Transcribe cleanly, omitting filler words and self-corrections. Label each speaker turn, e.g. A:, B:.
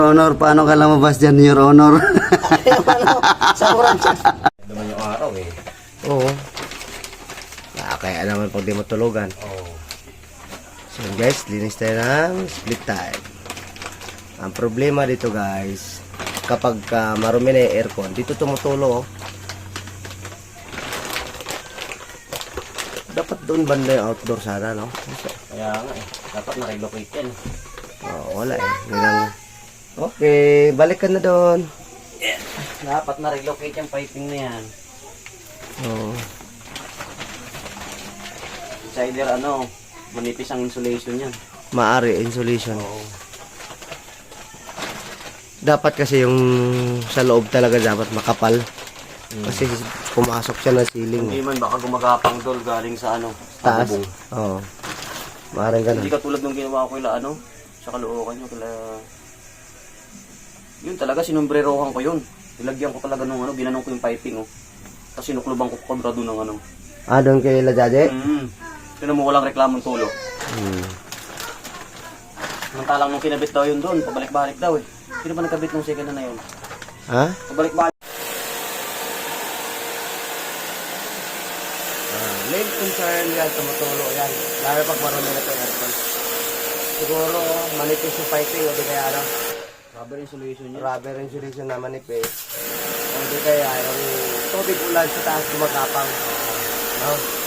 A: Honor, paano ka lumabas dyan, Your Honor?
B: Sa oras.
C: Naman yung araw eh.
B: Oo. Kaya naman pag di matulugan.
C: Oo.
B: So guys, linis tayo ng split time. Ang problema dito guys, kapag marumi na yung aircon, dito tumutulo. Dapat doon banda yung outdoor sana, no?
C: Kaya nga eh. Dapat na-relocate yan.
B: Wala eh. Okay, balik ka na doon.
C: Dapat na-relocate yung piping na yan.
B: Oo.
C: It's either manipis ang insulation yan.
B: Maari, insulation.
C: Oo.
B: Dapat kasi yung sa loob talaga dapat makapal. Kasi pumasok siya ng ceiling.
C: Hindi man baka gumagapang dol galing sa
B: Taas.
C: bubong.
B: Oo. Maaaring ganun.
C: Hindi katulad nung ginawa ko sa Caloocan nyo, yun talaga, sinumbrerohan ko yun. Nilagyan ko talaga nung ginanong ko yung piping, Tapos sinukluban ko kontrado ng
B: Doon kay Lajaje?
C: Sino mo walang reklamong tulo. Samantalang nung kinabit daw yun doon, pabalik-balik daw eh. Sino ba nagkabit nung second na yun?
B: Ha?
C: Pabalik-balik.
B: Main concern yan, tumutulo yan. Lalo pag marami na ito aircon. Siguro manipis yung piping o di kaya
C: Rubber insulation yun.
B: rubber insulation na manipis. O di kaya yung tubig ulan sa taas gumagapang. No?